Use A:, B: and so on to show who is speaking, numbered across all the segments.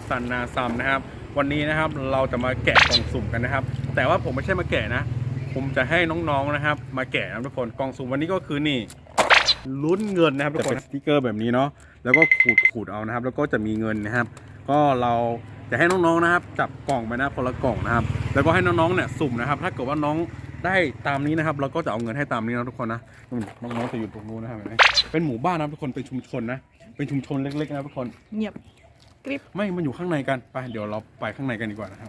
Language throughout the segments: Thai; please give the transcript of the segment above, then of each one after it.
A: ซันนาซัมนะครับวันนี้นะครับเราจะมาแกะกล่องสุ่มกันนะครับแต่ว่าผมไม่ใช่มาแกะนะผมจะให้น้องๆนะครับมาแกะนะทุกคนกล่องสุ่มวันนี้ก็คือนี่ลุ้นเงินนะครับทุกคนสติกเกอร์แบบนี้เนาะแล้วก็ขูดเอานะครับแล้วก็จะมีเงินนะครับก็เราจะให้น้องๆนะครับจับกล่องไปนะคนละกล่องนะครับแล้วก็ให้น้องๆเนี่ยสุ่มนะครับถ้าเกิดว่าน้องได้ตามนี้นะครับเราก็จะเอาเงินให้ตามนี้นะทุกคนนะน้องๆจะอยู่ตรงนู้นนะครับเป็นหมู่บ้านนะทุกคนเป็นชุมชนนะเป็นชุมชนเล็กๆนะทุกคน
B: เงียบกริบ
A: ไม่มันอยู่ข้างในกันไปเดี๋ยวเราไปข้างในกันดีกว่านะครับ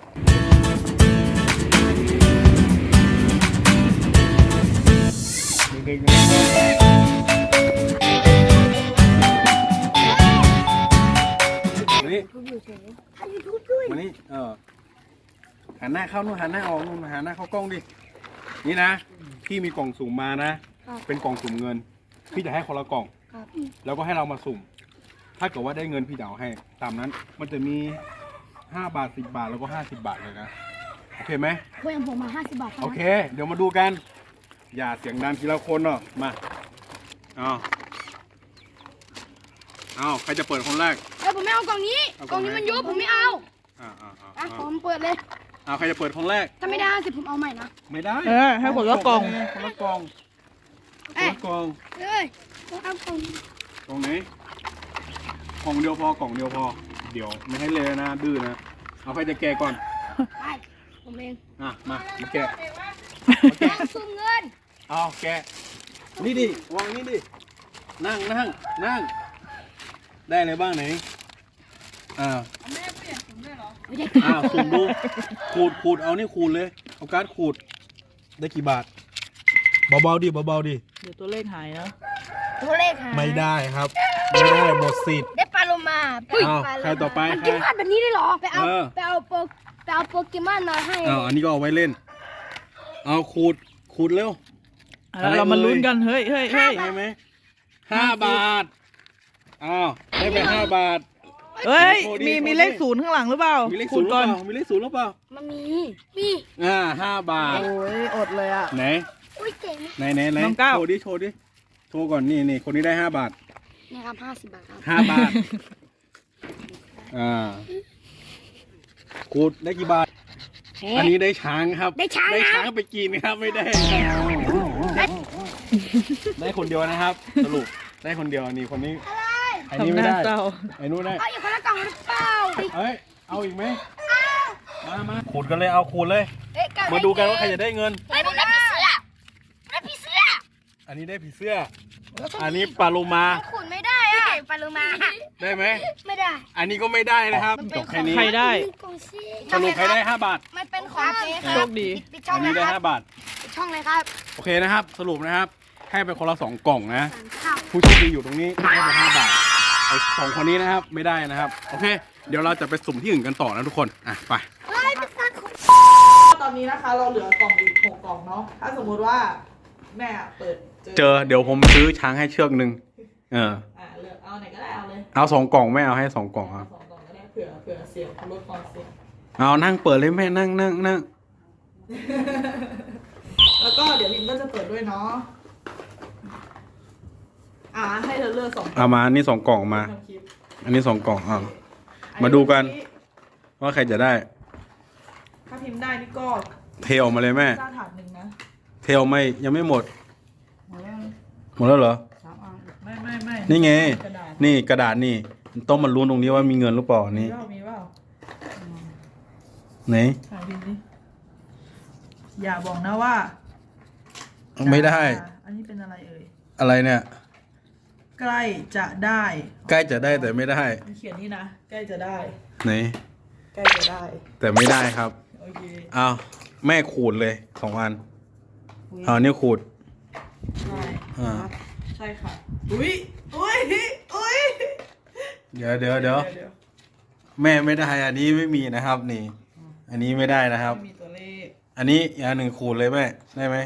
A: วันนี้หันหน้าเข้านู่นหันหน้าออกนู่นหันหน้าเข้ากล้องดินี่นะพี่มีกล่องสุ่มมานะเป็นกล่องสุ่มเงินพี่จะให้คนละกล่องแล้วก็ให้เรามาสุ่มถ้าเกิดว่าได้เงินพี่จะเอาให้ตามนั้นมันจะมี5 บาท10 บาทแล้วก็50 บาทเลยนะโอเคไหม
C: เพื่อนผมมา50 บาท
A: โอเคเดี๋ยวมาดูกันอย่าเสียงดังทีละคนเนาะมาเอาใครจะเปิดคนแรก
C: ผมไม่เอากล่องนี้กล่องนี้มันยุบผมไม่เอาผมเปิดเลย
A: เอาใครจะเปิดคนแรก
C: ถ้าไม่ได้50ผมเอาใหม่นะ
A: ไม่ได้
B: ให้คนละกล่อง
A: คนละกล่อง
C: เอากล่อง
A: กล่องไหนกล่องเดียวพอกล่องเดียวพอเดี๋ยวไม่ให้เลยนะดื้อนะเอาใครจะแกะก่อน
C: ผมเอง
A: มาแกะ
C: สุ่มเงิน
A: เอาแกะนี่ดิวางนี่ดินั่งได้อะไรบ้างไหน
C: แม่เปลี่ยนสุ่มได้เหร
A: อสุ่มดูขูดเอานี่ขูดเลยเอาการ์ดขูดได้กี่บาทเบาๆดิเ
B: ดี๋ยวตัวเลขหายนะ
C: ตัวเลขหาย
A: ไม่ได้ครับไม่ได้หมดสิทธิ์
C: ได้ปลาโลมา
A: ใครต่อไป
C: มันกินผัดแบบนี้ได้หรอไปเอาโปเกมอนมาให้
A: อันนี้ก็เอาไว้เล่นเอาขูดเร็ว
B: เรามาลุ้นกันเฮ้ย
A: ได้ไหม5 บาทได้ไป5 บาท
B: เฮ้ยมีเลข0ข้างหลังหรือเปล่า
A: มีเลข0ก่อนมีเลข0หรือเปล่า
C: มันมี
A: 5 บาท
B: โอ้ยอดเลย
A: ไหน
C: เจ๋ง
A: ไหนโชว์ดิโชว์ก่อนนี่คนนี้ได้5 บาท
C: นี่ครับ50 บาทครับ
A: 5 บาทขูดได้กี่บาทอันนี้ได้ช้างครับ
C: ได้ช้าง
A: ไปกินครับไม่ได้ได้คนเดียวนะครับสรุปได้คนเดียวนี่คนนี้อันนี้ไม่ได้ไอ้นู้นได้
C: เอาอีกคนละกล่องหรือเปล่า
A: เอาอีกไหมมาขูดกันเลยเอาขูดเลยมาดูกันว่าใครจะได้เงิน
C: ได้ผีเสื้อ
A: อันนี้ได้ผีเสื้ออันนี้ปลาโลมา
C: ขูดไม่ได้ปลาโลมา
A: ได้ไหม
C: ไม่ได้
A: อันนี้ก็ไม่ได้นะครับจบแค่นี้
B: ใครได้
A: สรุปใครได้5 บาท
C: มันเป็นของเจ๊ครับ
B: โชคดี
A: อันนี้ได้5 บาท
C: ช่องเลยครับ
A: โอเคนะครับสรุปนะครับให้ไปคนละ2 กล่องนะผู้โชคดีอยู่ตรงนี้ให้ไป5 บาทไอ้2 คนนี้นะครับไม่ได้นะครับโอเคเดี๋ยวเราจะไปสุ่มที่อื่นกันต่อนะทุกคนไป
B: ตอนนี้นะคะเราเหลือกล่องอีก6 กล่องเนาะถ้าสมมติว่าแม่เปิด
A: เจอเดี๋ยวผมซื้อช้างให้เชือกนึง
B: เลือกเอาไหนก็ได้เอาเลย
A: เอา2 กล่องไม่เอาให้2 กล่อง
B: ครับ2 กล่องก็ได้เผื่อเสียงลดความเสียง
A: เอานั่งเปิดเลยแม่นั่ง
B: แล้วก็เดี๋ยวลินก็จะเปิดด้วยเนาะให้เธอเลือก2 กล่อง
A: เอามานี่2 กล่องมาอันนี้2 กล่องมาดูกันว่าใครจะได้
B: ถ้าพิมพ์ได้นี่ก็
A: เทออกมาเลยแม่
B: ถาด 1นะ
A: เทอไม่ยังไม่หมดหมดแล้วเหรอ
B: ไม่
A: นี่ไงนี่กระดาษนี่ต้องมาลุ้นตรงนี้ว่ามีเงินหรือเปล่านี่
B: มีเปล่า
A: ไหน
B: อย่าบอกนะว่า
A: ไม่ได้
B: อันนี้เป็นอะไรเอ่ย
A: อะไรเนี่ย
B: ใกล้จะได้
A: แต่ไม่ได้
B: เขียนนี่นะใกล้จะได้
A: ไหน
B: ใกล้จะได้
A: แต่ไม่ได้ครับ
B: โอเค
A: เอาแม่ขูดเลย2 อันนี่ขูด
B: ใช่ค่ะอุ้ย
A: เดี๋ยวแม่ไม่ได้อันนี้ไม่มีนะครับนี่อันนี้ไม่ได้นะครับ
B: ไม่มีตัวเลข
A: อันนี้อย่าง1ขูดเลยแม่ได้ไหม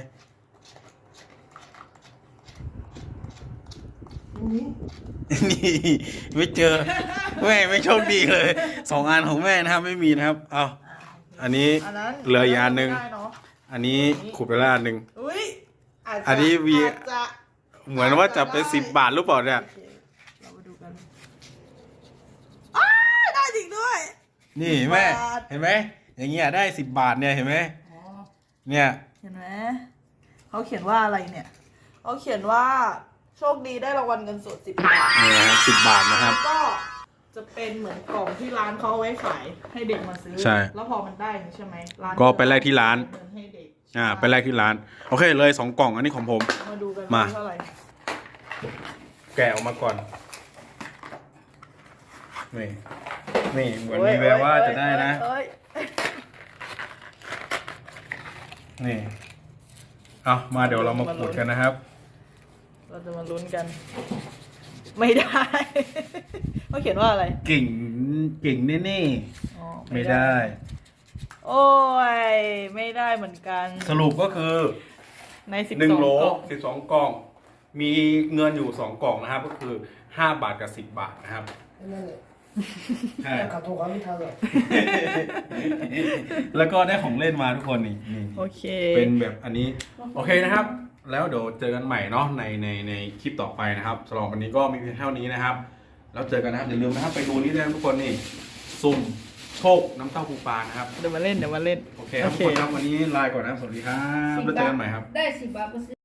A: นี่ไม่เจอแม่ไม่โชคดีเลย2 อันของแม่นะครับไม่มีนะครับเอาอันนี้เหลืออีกอันนึงอันนี้ขูดไปแล้วอันนึงอันนี้วีเหมือนว่าจะเป็น10 บาทหรือเปล่าเนี่ย
B: เรามาดูกันได้จริงด้วย
A: นี่แม่เห็นไหมอย่างเงี้ยได้10 บาทเนี่ยเห็นไหม
B: อ๋อ
A: เนี่ย
B: เห็นไหมเขาเขียนว่าอะไรเนี่ยเขาเขียนว่าโชคดีได้รางวัลเงินสด10 บาท
A: นี่นะครับ10 บาทนะครับ
B: ก็จะเป็นเหมือนกล่องที่ร้านเขาเอาไว้ขายให้เด็กมาซื้อ
A: ใช่
B: แล้วพอมันได้ใช่ไหมร้าน
A: ก็ไปแลกที่ร้าน
B: เงินให้เด็ก
A: ไปแลกที่ร้านโอเคเลย2 กล่องอันนี้ของผม
B: มาดูกัน
A: มา
B: เท่าไหร่
A: แกะออกมาก่อนนี่เหมือนมีแววว่าจะได้นะ
B: เอ้ย
A: นี่เอามาเดี๋ยวเรามาขูดกันนะครับ
B: เราจะมาลุ้นกัน ไม่ได้ เขาเขียนว่าอะไร
A: เก่งแน่
B: อ๋อ
A: ๆไม่ได้
B: โอ้ยไม่ได้เหมือนกัน
A: สรุปก็คือ
B: ใน12
A: 1 โหล
B: กล่อง
A: 12 กล่อง มีเงินอยู่2 กล่องนะครับ ก็คือ5 บาทกับ10 บาทนะครับ
D: นั่นแหละ
A: ใช่
D: ขับถูกเขาไม่ทันหรอก
A: แล้วก็ได้ของเล่นมาทุกคนนี่
B: โอเค
A: เป็นแบบอันนี้โอเคนะครับ แล้วเดี๋ยวเจอกันใหม่เนาะในคลิปต่อไปนะครับสำหรับวันนี้ก็มีเพียงเท่านี้นะครับ แล้วเจอกันนะครับอย่าลืมนะครับไปดูนี่ด้วยนะทุกคนนี่สุ่มโชคน้ำเต้าปูปลานะครับ
B: เดี๋ยวมาเล่น
A: โอเคครับทุกคนครับวันนี้ลาก่อนนะครับสวัสดีครับแล้วเจอกันใหม่ครับ
C: ได้10 บาทก็ซื้อ